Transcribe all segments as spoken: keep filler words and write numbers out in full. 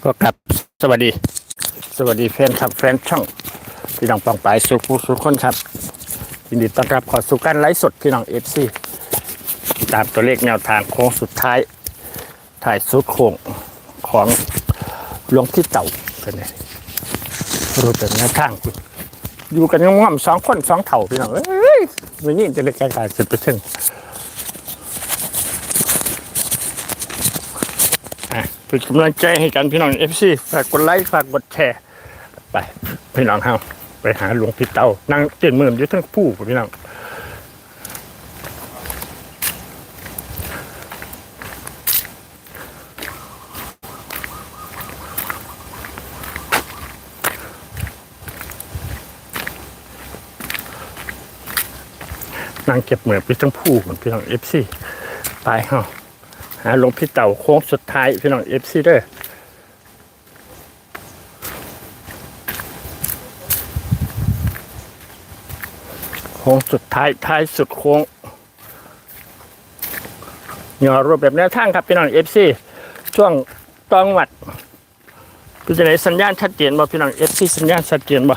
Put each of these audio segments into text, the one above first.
ก็ครับสวัสดีสวัสดีแฟนครับแฟนช่องพี่น้องปองปายสุขผู้สุขคนครับยินดีต้อนรับขอสู่การไลฟ์สดพี่น้องเอฟซีตามตัวเลขแนวทางโค้งสุดท้ายถ่ายสุดโค้งของหลวงพี่เต่าเป็นไงรู้แต่แนวทางอยู่กันง่อมสองคนสองเถ่าพี่น้องเอ้ยวันนี้จะเล็กกายสุดไปถึงเป็นกำลังใจให้กันพี่น้องเอฟซีฝากกดไลค์ฝากกดแชร์ไปพี่น้องเฮาไปหาหลวงพี่เต่านั่งเจ็ดหมื่นอยู่ทั้งผู้พี่น้องนั่งเก็บเหมือนพี่ทั้งผู้เหมือนพี่น้องเอฟซีไปเฮาหาหลวงพี่เต่าโค้งสุดท้ายพี่น้องเอฟซีเด้อโค้งสุดท้ายท้ายสุดโค้งย่อรูปแบบแนวทางครับพี่น้องเอฟซีช่วงตองวัดพี่จะไหนสัญญาณชัดเจนบ่พี่น้องเอฟซีสัญญาณชัดเจนบ่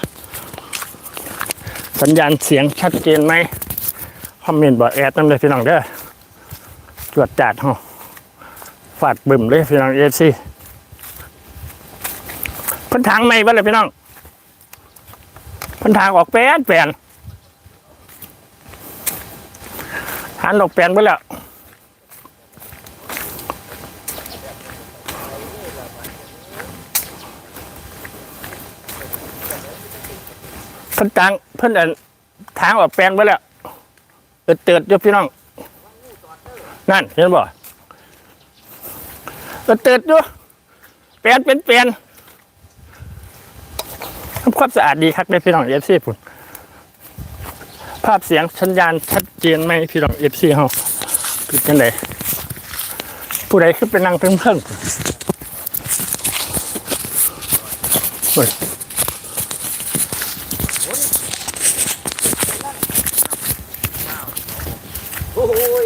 สัญญาณเสียงชัดเจนไหมคอมเมนต์บอกแอดนั่นเลยพี่น้องเด้อตรวจจัดห้องฟาดบึ่มเลยพี่น้องเอฟซีพันทางไม่บ้างเลยพี่น้องพันทางออกแปนแปนหันออกแปนไปแล้วพันทางเพิ่นอันทางออกแปลนไปแล้วเติร์ดเติร์ดยกพี่น้องนั่นเห็นบ่เติร์ดเติร์ดยกแปลนเป็นแปลนทำความสะอาดดีครับได้พี่น้องเอฟซีปุ่นภาพเสียงสัญญาณชัดเจนไหมพี่น้องเอฟซีเฮาคือจังไดผู้ใดขึ้นไปนั่งเพิ่งเพิ่งโอ้ย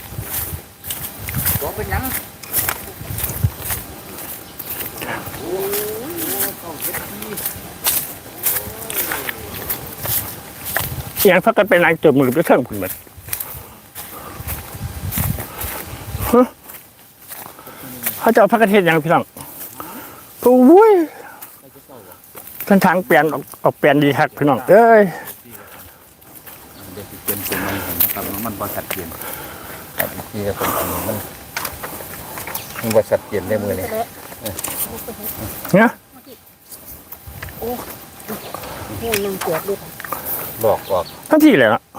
บอกเป็นยังโอ้ยต้องเก็บที่เสียงพักกันเป็นนางจบมือไปเครื่องคุณแบบเขาจะเอาพักกันเทศยังพี่น้องโอ้ยท่านทางเปลี่ยนออกเปลี่ยนดีครับพี่น้องเอ้ยเด็กเปลี่ยนเป็นมันนะครับมันบริษัทเปลี่ยนครับที่จะเป็นมันมันบริษัทเปลี่ยนได้มือเลยเนี่ยโอ้โหยังเจ็บเลยบอกออกทั้งที่เลยนะ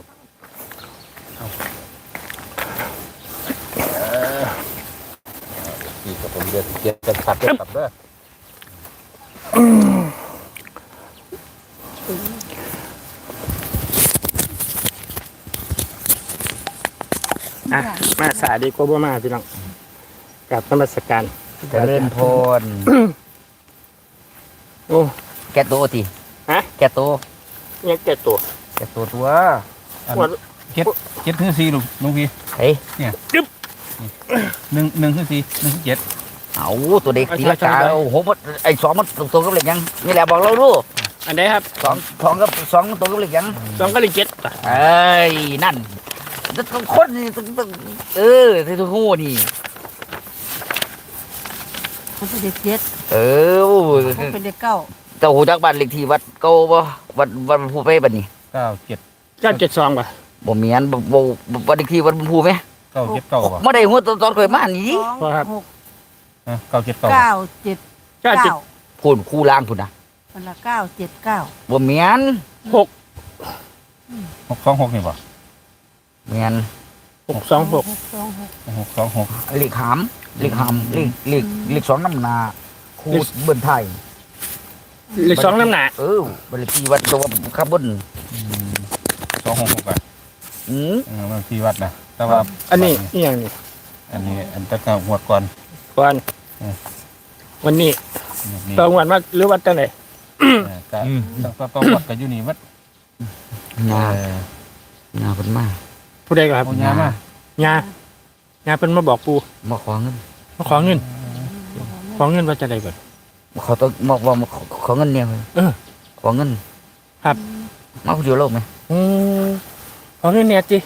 ที่กับผมเดือดเจ็บจะขัดจะขับด้วยอ่ะมาสาดีกว่าบ่มาพี่น้องกับนมัสการจะเล่นโทนโอ้แกโตทีฮะแกโตเนี่ยแกตัวแกโตตัวเจ็ดเจ็ดคือสี่ลูกลุงพี่เฮ้ยเนี่ยหนึ่งหนึ่งคือสี่หนึ่งคือเจ็ดเอาตัวเด็กตีลังกาโอ้โหมันไอ้สองมันตัวกับเหล็กยังนี่แหละบอกเราดูอันนี้ครับสองสองกับสองตัวกับเหล็กยังสองก็เลยเจ็ดเอ้ยนั่นต้องคนนี่ต้องเออที่ตัวงูนี่มันเป็นเด็กเจ็ดเออมันเป็นเด็กเก้าเจ้าหูจักบ้านเลขที่วัดเก่าบ่วัดวัดผู้ไปบัดนี้เก้าเจ็ดเก้าเจ็ดสองป่ะบ่เมียนบ่บ่วัดเลขที่วัดผู้ไหมเก้าเจ็ดเก้าบ่ได้หัวตอนตอนเคยมานี่ครับเก้าเจ็ดเก้าเก้าเจ็ดเก้าพูนคู่ล่างพุ่นนะมันละเก้าเจ็ดเก้าบ่เมียนหกหกสองหกนี่บ่เมียนหกสองหกสองหกหกสองหกเลขหามเลขหามเลขเลขเลขสองน้ำนาคู่เบิ่นไทยเลขสองน้ำหนาเออบัญชีวัดตัวขับบนสองหกหกอ่ะอืมบัญชีวัดนะแต่ว่าอันนี้นี่อย่างนี้อันนี้อันตะกาหัวก่อนก่อนวันนี้ตองวันมาหรือวัดจังไหนก็ต้องต้องวัดกันอยู่นี่วัดงา งาเป็นมาผู้ใดก็ครับงางางาเป็นมาบอกปูมาขอเงินมาขอเงินขอเงินว่าจะได้บ่เขาต้องบอกว่าขอขอเงินเนี่ยเออขอเงินครับมาผู้เดียวโลกไหมอืมขอเงินเนี่ยจิ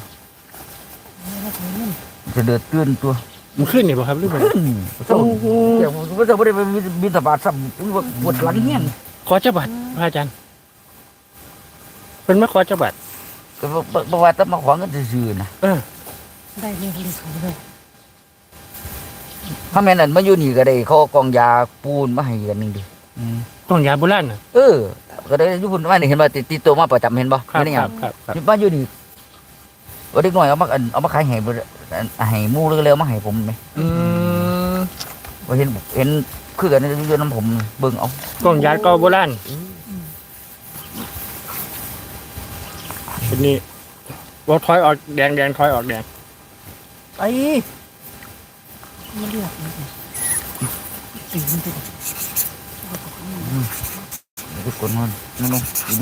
จะเดือดตื้นตัวมันขึ้นนี่บ่ครับหรือบ่ขึ้นเจ้าเดี๋ยวผมจะไม่ได้ไปบินตบาทซ้ำปวดหลังเงี้ยขอจักบาทพระอาจารย์เพิ่นมาขอจักบาทก็บอกว่าต้องมาขอเงินซื่อๆนะเออได้เรียกเลยเขาเลยถ้าแม่นั่นมาอยู่นี่ก็ได้เขาเอากองยาปูนมาให้กันหนึงดิอืมต้องยาโบราณน่ะเออ ก็ได้อยู่พุ่นว่านี่เห็นว่าติดติดตัวมาประจำเห็นบ่ครับไม่ได้หคยัรังบครับครับมาอยู่นี่ว่าเด็กน้อยเอามาอันเอามาขายให้บ่ให้หมู่เร็วๆมาให้ผมไหมอืมว่าเห็นเห็นคือกันอยู่น้ำผมเบิ่งเอาต้องยาเก่าโบราณเป็นนี่บ่ถอยออกแดงแดงถอยออกแดงไอ้ไม่เลือกเลยตีมันติดทุกคนมันนั่นลงดี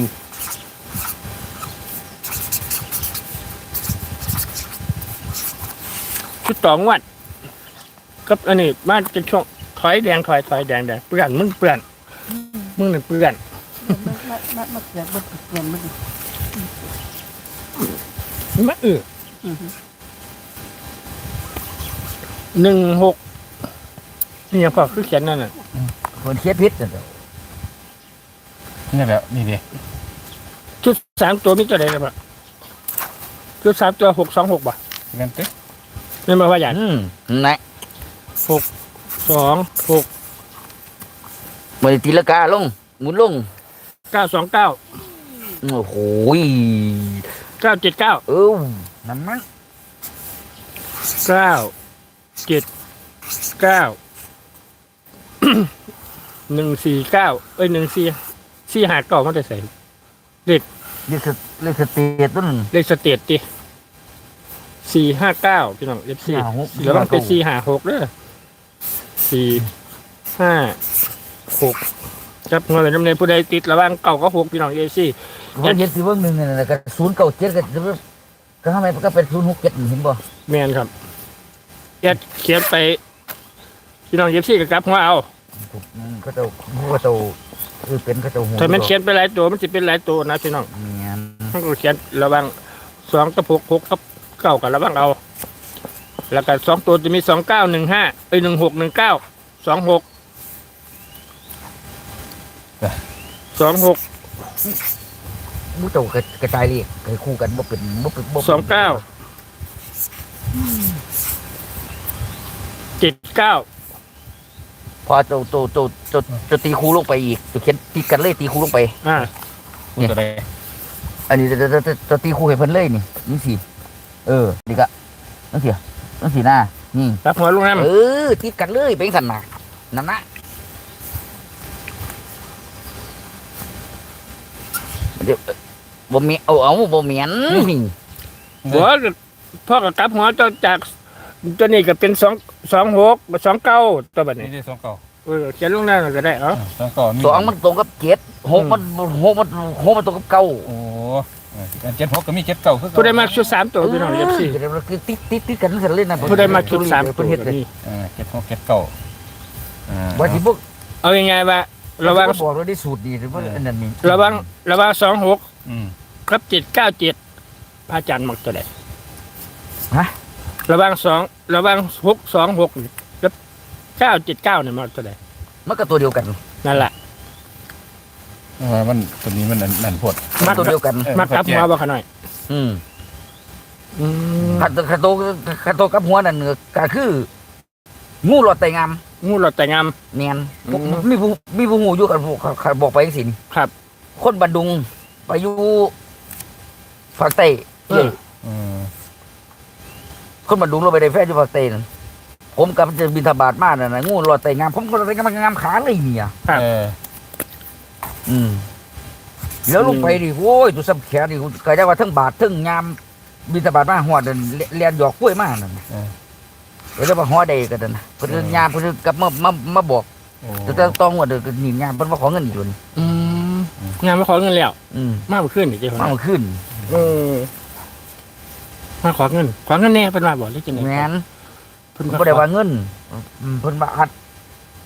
ชุดต่องวัดกับอันนี้มาจะช่วงถอยแดงถอยถอยแดงแดงเปื้อนมึงเปื้อนมึงนี่เปื้อนมามามามาเกิดบนเกิดมันมาเออหนึ่งหกนี่ยังพอคือเขียนนั่นน่ะๆคนเคียดพิษนั่นแหละนี่แหละนี่ดิชุดสามตัวมีตัวใดกันบ้างชุดสามตัวหกสองหกบ่เงินเต๊ะนี่มาว่าอย่างอืมไหนหกสองหกมันตีละกาลงหมุนลงเก้าสองเก้าโอ้โหเก้าเจ็ดเก้าเออนั่นมั้งเก้าเจ็ดเก้า หนึ่งสี่เก้าเอ้ยหนึ่งสี่สี่หาเก้ามันจะใส่เรียกเรียกสเตตต้นเลขสเตตดิสี่ห้าเก้าพี่น้องเลขสี่ห้าหกแล้วมันเป็นสี่หาหกเด้อสี่ห้าหกจับเงินเลยจำเนผู้ใดติดระหว่างเก่าก็หกพี่น้องเอซี่ว่าเห็นสิเบิ่งหนึ่งนั่นแหละก็ศูนย์เก้าเจ็ดก็ก็ทำไมก็เป็นศูนย์หกเจ็ดเห็นบ่แมนครับแอดเขียนไปพี่น้องเอซี่กับกลับหัวเอาก็เจ้าก็เจ้าคือเป็นก็เจ้าหัวถ้ามันเขียนไปหลายตัวมันจะเป็นหลายตัวนะพี่น้องเนี่ยมันก็เขียนระหว่างสองกับหกหกกับเก้ากับระหว่างเอา แล้วก็สองตัวจะมีสองเก้าหนึ่งห้าเอ้ยหนึ่งหกหนึ่งเก้าสองหกสองหกมุ้เจ้ากระจายเลยเคยคู่กันบ่เป็นบ่เป็นบ่สองเก้าเจ็ดเก้าพอเจ้าเจ้าเจ้าเจ้าเจ้าตีคู่ลงไปอีกจะเขียนตีกันเลยตีคู่ลงไปอ่าคุณตัวใดอันนี้จะจะจะจะตีคู่ให้เพิ่นเลยนี่นี่สิเออนี่ก็นั่นสินั่นสิหน้านี่รับหัวลุงน้ำเออตีกันเลยเป็นสันนะนั่นนะเดี๋ยวบ่มีเอาเอาบ่เมียนนี่หัวพ่อกับกลับหัวเจ้าจากตัวนี้ก็เป็นสองสองหกสองเก้าตัวแบบนี่นี้ได้สองเก่าเออเขียนลุงน้ำก็ได้เอ้าสองเก่ามีสองมันตรงกับเจ็ดหกมันหกมันหกมันตรงกับเก้าโอ้เจ็ดหกก็มีเจ็ดเก่าคือผู้ใดมาชุดสามตัวพี่น้องเอฟซีเดี๋ยวเราคือติดติดติดกันกันเลยนะผู้ใดมาชุดสามตัเพิ่วนเฮ็ดเลยนี่เออเจ็ดหกเจ็ดเก่าอ่าว่าที่พวกเอายังไงว่าระวังบอกเราได้สูตรดีหรือว่าอันนั้นนี่ระวังระวังสองหกอืมกับเจ็ดเก้าเจ็ดพระอาจารย์มักตัวใดฮะระวังสองระวังหกสองหกกับเก้าเจ็ดเก้าเนี่ยมักตัวใดมันก็ตัวเดียวกันนั่นแหละว่ามันตัวนี้มันนั่นโพดมันตัวเดียวกันเออมักกลับหัวบ่ขะหน่อยอืมอืมขัดขัดโตขัดโตกับหัวนั่นก็คืองูหลอดไตงามงูหลอดแต่งามเนียนอืมมีผู้มีผู้หูอยู่กันบอกไปสิครับคนบันดุงไปอยู่ภาคใต้เอออืมคนบันดุงเราไปได้แฟนอยู่ภาคใต้นั่นผมกับจะบินทบาทมาน่ะนะงูหลอดไตงามผมก็เลยงามงามขาเลยเนี่ยครับเอออืมแล้วลงไปดิโอ้ยตัวสับแขนดิก็จะว่าทั้งบาททั้งยามบินทบาทมาหัวเดินเลียนหยอกกล้วยมานั่นเออก็จะว่าหัวใดกันนั่นเพิ่นยามเพิ่นกลับมามามาบอกโอ้จะต้องหัวเดินนี่ยามเพิ่นมาขอเงินอีกตัวนี้อืมงานมาขอเงินแล้วอืมมากขึ้นอีกเจ้ามาขึ้นเออมาขอเงินขอเงินแน่เป็นว่าบอกเลยจังไงแม่นเพิ่นเพิ่นมาบ่ได้ขอว่าเงินอืมเพิ่นว่าอัด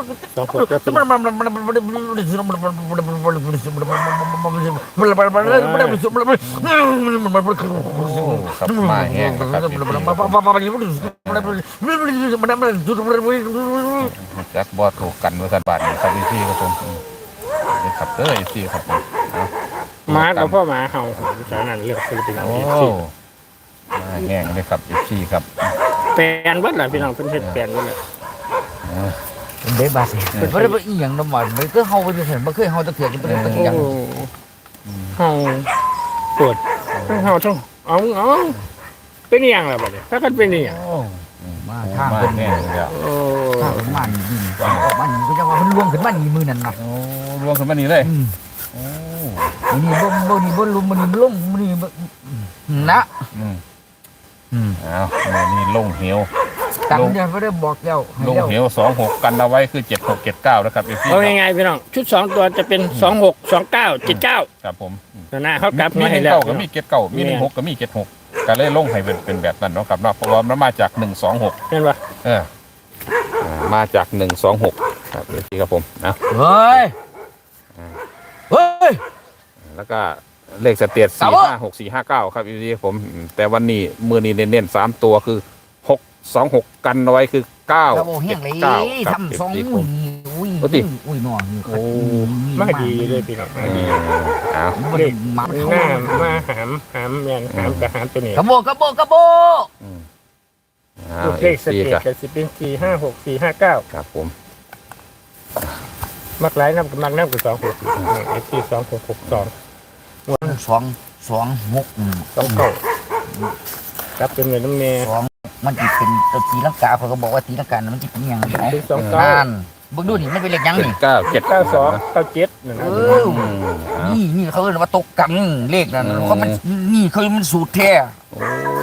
สองหกก็เป็นครับมาแห้งนะครับจักบอถูกกันเมื่อสันบาทนี่ครับพี่ครับผมนี่ครับเด้อพี่ครับผมหมากับพ่อหมาเห่าฉะนั้นเลือกศิลปินโอ้เอฟซีมาแห้งเลยครับพี่ครับแปลนเบิดล่ะพี่น้องเพิ่นเฮ็ดแปลนเบิดล่ะเด้บาสิเป็นบ่ได้บ่อีหยังนำมันมันก็เฮาบ่ได้เห็นบ่เคยเฮาตะเกียบเป็นตะเกียบโอ้เห่าปวดทั้งเห่าทั้งเอาเอาเป็นอีหยังล่ะบัดนี้ถ้ากันเป็นอีหยังมาทางมาเพิ่นแห้งเลยอ่ะโอ้ทางมันนี่ออกมันก็จะว่าเพิ่นล่วงขึ้นมานี่มื้อนั้นน่ะโอ้รวมขึ้นมานี่เลยอืมโอ้มื้อนี้บ่บ่นี่บ่ลุมมื้อนี้ลงมื้อนี้นะอืมอืมอ้าวนี่ลงเหวตังเดือนบ่ได้บอกแล้วลงเหวสองหกกันเอาไว้คือเจ็ดหกเจ็ดเก้านะครับพี่เอาง่ายๆพี่น้องชุดสองตัวจะเป็นสองหก สองเก้า เจ็ดเก้าครับผมนั่นน่ะเขากลับมีมาหให้นึ่งแล้วเก้ากับมีเจ็ดเก้ามีหนึ่งหกกับมีเจ็ดหกก็เลยลงให้เป็นเป็นแบบนั้นเนาะครับเนาะเพราะว่ามันมาจากหนึ่งสองหกเห็นป่ะเอออ่ามาจากหนึ่งสองหกครับพี่ครับผมนะเฮ้ยเฮ้ยแล้วก็เลขสเตียดสาสี่วกห้าหกสี่ห้าเก้าครับพี่ผมอืมแต่วันนี้มือนี้เน้นๆสามตัวคือหกสองหกกันเอาไว้คือเก้าถ้าบ่เฮียเจ็งดเลยเก้าครับทำสองพี่ผอุ้มยอุ้ยโอ้ติอุ้ยหนอนี่โอ้มาดีเลยพี่น้องมาเอดีอเอามันเลขมันหเข้าน้ามาหามหามแมนหามกับหามตัวนี้กระโบกระโบกระโบอืมเอาลูกเลขสสี่เตกัจจะสิเป็นสี่ห้าหกสี่ห้าเก้าครับผมมักหลายน้ำกับมักน้ำกับสองหกเอฟซีสองหกหกสองสองสองหกอืมสองเก้าครับเป็นเงินน้ำเมย์สองมันจะเป็นตัวตีลังกาเขาก็บอกว่าตีลังกามันจะเป็นยังไงเป็นสองเก้านั่นเบิ่งดูนี่มันเป็นเลขยังเจ็ดนี่เก้าเจ็ดเก้าสองเก้าเจ็ดนั่นเอนะออืมเอานี่นี่เขาเรียกว่าตกกันเลขนั่นเพราะมันนี่คือมันสูตรแท้โอ้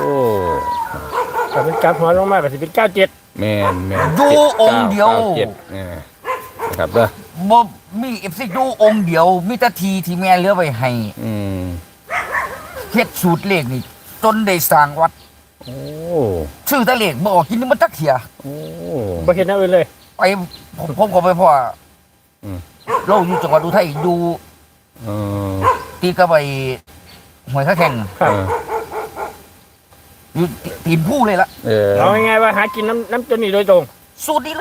แต่เป็นการหัวลงมาก็สิเป็นเก้าเจ็ดแม่นแม่นดูเจ็องค์เดียวก้าเจ็ดเนี่ยนะครับเด้อบ่มีเอฟซีดูองค์เดียวมีแตาทีที่แม่เหลือไว้ให้อืมเฮ็ดสูตรเลขนี่จนได้สร้างวัดโอ้ซื้อแตะเลขบ่ออกกินมันจักเที่ยโอ้บ่เห็นเอาไว้เลยไปผมผมก็ไปพ่ออมเราอยู่จังหวัดอุทัยดูเออตีกระไปหวยข้าแข่งครับเอออยู่ตีนผู้เลยล่ะเออเอาง่ายๆว่าหากินน้ำน้ำตัวนี้โดยตรงสูตรนี้เลยไป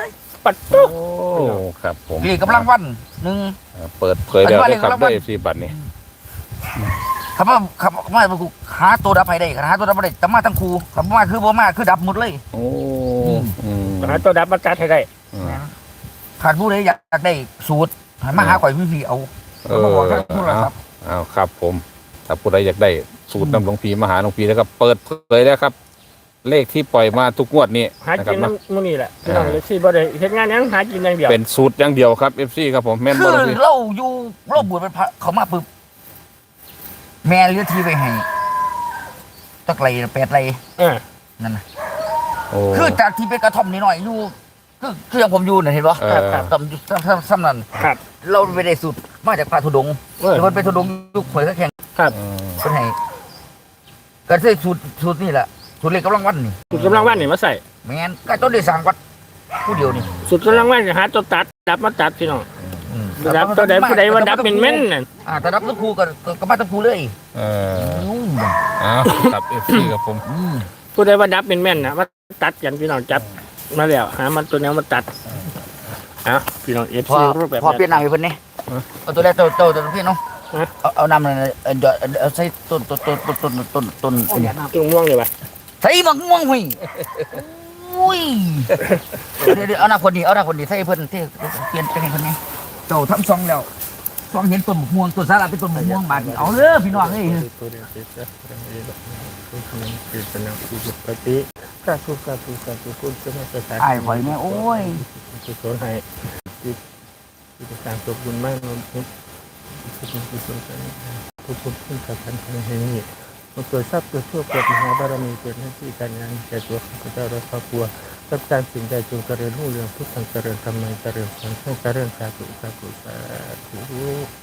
ปัดโอ้ตุ๊กครับผมนี่กำลังวันหนึ่งเปิดเผยแล้วได้ครับปัจจุบันได้สิบัตรนี่คำว่าคำว่ากูหาตัวดับให้ได้หาตัวดับไม่ได้แต่มาทั้งครูคำว่าคือบ่มาคือดับหมดเลยโอ้อืมหาตัวดับมาจัดให้ได้อืมขาดผู้ใดอยากได้สูตรให้มาหาข่อยพี่ๆเอาเอเขาอบอกท่านผู้ละครับอ้าวครับผมถ้าผู้ใดอยากได้สูตรน้ำหลวงพีมาหาหลวงพีแล้วก็เปิดเผยแล้วครับ เลขที่ปล่อยมาทุกงวดนี้หานะคกิรับนเนาะน้ำมื้อนี้แหละพี่น้องเลยสิบ่ได้เฮ็ดงานหยังหากินอย่างเดียวเป็นสูตรอย่างเดียวครับเอฟซีครับผมแม่นคืบ่อหลวงพีเราอยู่เราบวชเป็นพระเขามาปึ๊บแม่เลี้ยงทีไปให้ตะไคร้แปดไรเออนั่นนะโอ้คือจากที่เป็นกระท่อมนิดหน่อยอยู่คือคืออย่างผมอยู่น่ะเห็นปะเออครับซ้ำซ้ำซ้ำซ้ำนั่นครับเราไปได้สูตรมาจากพระธุดงค์เออแต่คนเป็นธุดงค์ยุคข่อยก็แข่งครับอืมเป็นให้ก็ใช้สูตรสูตรนี่แหละสูตรเล็กกำลังวันนี่สุดกำลังวันนี่มาใส่แม่นก็ต้นได้สร้างวัดผู้เดียวนี่สุดกำลังวันนี่หาตัวตัดดับมาตัดพี่น้องอืมดับตัวใดผู้ใดว่าดับเป็นเม่นน่ะอ่าแต่ดับตะครูก็ก็ก็มาตะครูเลยเอออืมอ้าวครับเอฟซีครับผมอืมผู้ใดว่าดับเป็นแม่นนะมาตัดกันพี่น้องจับมาแล้วหามันตัวแนวมาตัดเอ้าพี่น้องเอฟพอซีรูปแบบพอเปลี่ยนน้ำให้เพิ่นนี่เอาตัวแรกตัวตัวตัวพี่น้องฮะเอาเอาน้ำนั่นเออเดี๋ยวเอาใส่ต้นต้นต้นต้นต้นต้นต้นอันนี้ตรงม่วงเลยป่ะใส่บักม่วงหุยอุ้ยเดี๋ยวเดี๋ยวเอาหน้าคนนี้เอาหน้าคนนี้ใส่เพิ่นที่เปลี่ยนเป็นให้เพิ่นนี่เจ้าทำซองแล้วซองเห็นต้นบักม่วงต้นสาระเป็นต้นบักม่วงบาดนี้เอาเด้อพี่น้องเอ้ยตัวเดียวติดแล้วติดเป็นน้ำติดปฏิกาสุกาสุกาสุคุณจะมาประสานอ้ายข่อยแม่โอ้ยสุขให้ติดติดการตกบุญมากนนพุทธพุทธพุทธพุทธพุทธพุทธกันแห่งนี้มาเกิดทรัพย์เกิดโชคเกิดมหาบารมีเกิดหน้าที่การงานแก่ตัวข้าพเจ้าและครอบครัวรับการสิ่งใดจงเจริญรุ่งเรืองพุทธังเจริญธรรมังเจริญสังฆังเจริญสาธุสาธุสาธุ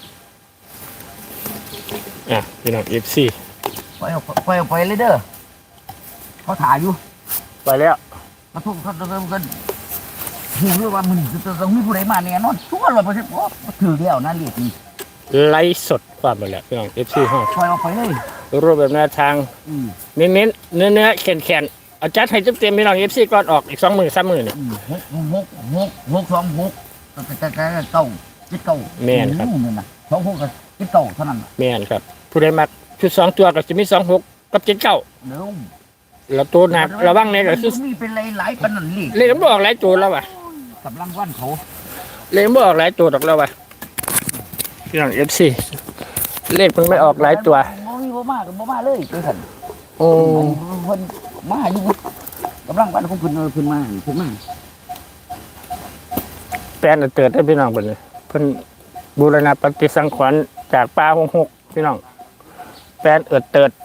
อ่ะพี่น้องเอฟซีปล่อยออกปล่อยออกไปเลยเด้อเขาถ่ายอยู่ไปแล้วมาทุกเขาเขาเขาหูเรื่องว่ามันจะต้องมีผู้ใดมาแน่นอนทุกคนร้อยเปอร์เซ็นต์โอ้ถือแล้วนะเรียกนี่ไลฟ์สดความไปแล้วพี่น้องเอฟซีห้องปล่อยออกไปเลยรูปแบบแนวทางอืมเน้นเน้นเนื้อเนื้อแข็งแข็งเอาจัดให้เต็มๆพี่น้องเอฟซีก่อนออกอีกสองหมื่นสามหมื่นเนี่ยอืมหกหกหกหกสองหกแต่แต่แต่เก้าเจ็ดเก้าแม่นครับอืนั่นน่ะสองหกกับเจ็ดเก้าเท่านั้นน่ะแม่นครับ ผู้ใดมักชุดสองตัวก็จะมีสองหกกับเจ็ดเก้าเดี๋ยวแล้วตัวหนักระวังเนี่ยก็คือมันมีเป็นหลายหลายๆปานนันลีกเลขมันบออกหลายตัวแล้วว่ะกำลังวันเขาเลขมันบออกหลายตัวดอกแล้วว่ะพี่น้องเอฟซีเลขมันไม่ออกหลายตัวบ่มีบ่มาก็บ่มาเลยจังซั่นโอ้เพิ่นมาอยู่กำลังวันของเพิ่นเออเพิ่นมาเพิ่นมาแปลนเติร์ดให้พี่น้องเพิ่นเลยเพิ่นบูรณะปฏิสังขรณ์จากป่าหงหกพี่น้องแปลนเอิดเติร์ด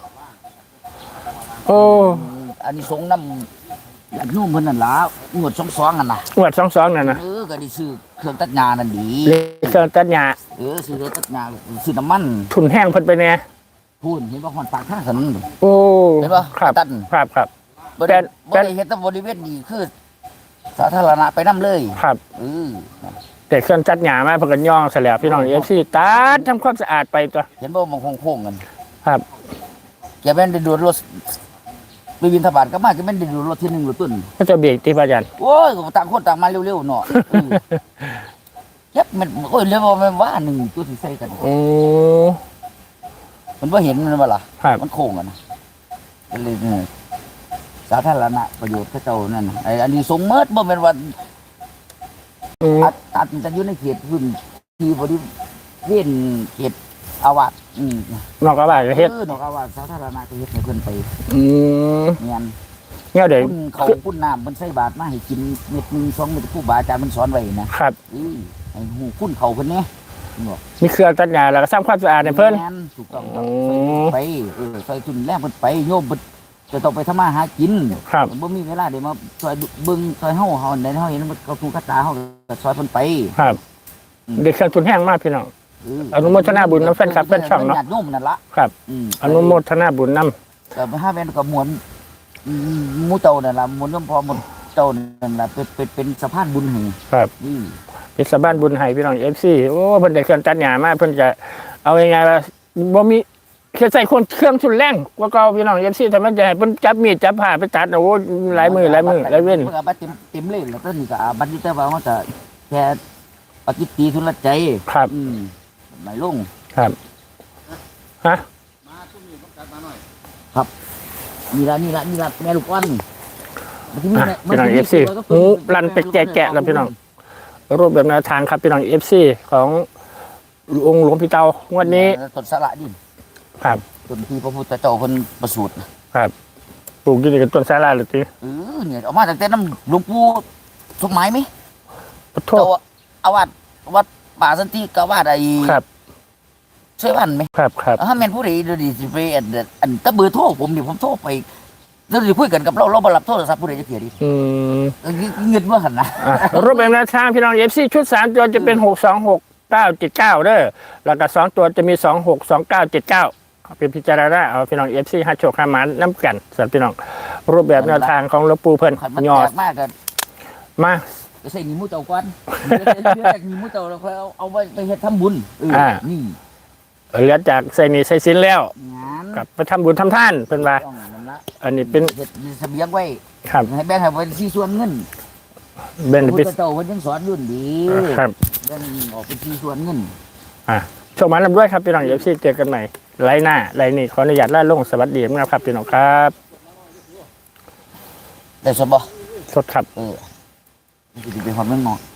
โอ้อันนี้สงน้ำญาติโยมเพิ่นนั่นล่ะงวดสองสองอันน่ะหวดสองสองนั่นนะเออก็ได้ซื้อเครื่องตัดหญ้านั่นดีเลขเครื่องตัดหญ้าเออซื้อเครื่องตัดหญ้าซื้อน้ำมันทุนแห้งเพิ่นไปแน่พูนเห็นบ่ฮอดปากทางถนนนี่โอ้เห็นปะครับตันครับครับบ่แต่ได้แต่บ่ได้เฮ็ดแต่บริเวณนี้คือ สาธารณะไปนํเลยครับเออแต่เครื่องตัดหญ้ามาเพิ่นก็ย่องซะแล้วพี่น้องเอฟซีตัดทำความสะอาดไปตัวเห็นบ่มันโค้งๆกันครับแกแม่นได้ดูรถไปบินทบาทก็มาแกแม่นได้ดูรถที่หนึ่งรถต้นก็จะเบรกที่พระอาจารย์โอ้ยก็ต่างคนต่างมาเร็วๆเนาะเออเย็บมันโอ้ยเรียกว่ามันว่าหนึ่งตัวสิใส่กันโอ้มันบ่เห็นมันบ่ล่ะครับมันโค้งกันนะก็เลยเนี่ยสาธารณะประโยชน์เขาเจ้านั่นน่ะไอ้อันนี้สงเมิดบ่แม่นว่าอืมตัดตัดจะอยู่ในเขตพื้นที่บริเวณเขตอาวาสอืมนอกกระบาดก็เฮ็ดเออนอกอาวาสสาธารณะก็เฮ็ดให้เพิ่นไปอืมเงียนเนี่ยเดี๋ยวคุณเขาคุณน้ำมันใส่บาตรมาให้กินเม็ดหนึงสองเม็ดครูบาอาจารย์มันสอนไว้นะครับ เออให้หูคุณเขาเพิ่นเนี่ยบอกมีเครื่องตัดหญ้าแล้วก็สร้างความสะอาดให้เพิ่นแม่ถูกต้องโอ้ไปเออใส่ทุนแรงเพิ่นไปโยมเพิ่นจะต้องไปทำมาหากินครับมันบ่มีเวลาเดี๋ยวมาซอยเบิ่งซอยเฮาเฮาได้เฮาเห็นมันเขาถูกกระตาเฮาก็ซอยเพิ่นไปครับเด็กเครื่องทุนแห้งมากพี่น้องเอนุโมทนาบุญนำแฟนคลับแฟนช่องเนาะญาติโยมนั่นละครับอืมอนุโมทนาบุญนำแต่ห้าแม่นกับมวลอืมหมู่เจ้านั่นล่ะมวลย่อมพอหมดเจ้านั่นล่ะเป็นเป็นเป็นสะพานบุญให้ครับอืมเทศบาลบุญไห้พี่น้องเอฟซีโอ้เพิ่นได้เครื่องตัดหญ้ามาเพิ่นจะเอายังไงล่ะบ่มีเคใส่คนเครื่องชุนแรงกว่าเก่าพี่น้องเอฟซีทำไมจะให้เพิ่นจับมีดจับผ้าไปตัดโอ้โหหลายมือหลายมือหลายเว้นเพิ่นก็บัดเต็มเต็มเลยแล้วก็นี่ก็บัดนี้แต่ว่ามันก็แค่ปฏิตีทุนละใจครับอืมไม่ลงครับฮะนี่ละนี่ละนี่ละแม่ลูกอ่อนอ่ะพี่น้องเอฟซีหูรันไปแกะๆแล้วพี่น้องรูปแบบแนวทางครับพี่น้องเอฟซีขององค์หลวงพี่เตางวดนี้ต้นสละดิครับต้นที่พระพุทธเจ้าเพิ่นประสูติครับปลูกอยู่ในกับต้นสาลาหรือตีเออเนี่ยเอามาตั้งแต่น้ำหลวงปู่สมหมายไหมขอโทษเจ้าอาวาสวัดป่าสันติกาวาสไอ้ครับช่วยบ้านไหมครับครับถ้าแม่นผู้ใดเดี๋ยวนี้สิไปอันอันตะเบอร์โทรผมนี่ผมโทรไปเราจะคุยกันกับเราเราบ่รับโทรศัพท์ผู้ใดจะเกลียดดิอืมเออเงินว่าหันนะอ่ะรูปแบบแนวทางพี่น้องเอฟซีชุดสามตัวจะเป็นหกสองหกเก้าเจ็ดเก้าเด้อแล้วก็สองตัวจะมีสองหกสองเก้าเจ็ดเก้าเป็นพิจารณาเอาพี่น้องเอฟซีห้าโชคห้าหมันน้ำกันสำหรับพี่น้องรูปแบบแนวทางของหลวงปู่เพิ่นขันมันยอแตดกมากกันมาไปใส่หนีหมูเจ้าก่อนเดี๋ยวเดี๋ยวหนีหมูเจ้าแล้วค่อยเอาเอาไปไปเฮ็ดทำบุญเออนี่เหลือจากใส่หนีใส่สินแล้วงานกลับไปทำบุญทำท่านเพิ่นว่าต้องนั่นละอันนี้เป็นเฮ็ดเสบียงไว้ครับให้แบ่งให้เป็นที่ส่วนเงินเบนพระพุปิทธเจ้าเพิ่นยังสอนยุ่นดีครับแบ่งออกเป็นที่ส่วนเงินอ่ะโชคมันลำด้วยครับพี่น้องเอฟซีเจอกันใหม่ไลน์หน้าไลน์นี้ขออนุญาตล่าลงสวัสดีนะครับพี่น้องครับได้สบบ่สดครับเออมันสิเป็นความเมืองนอก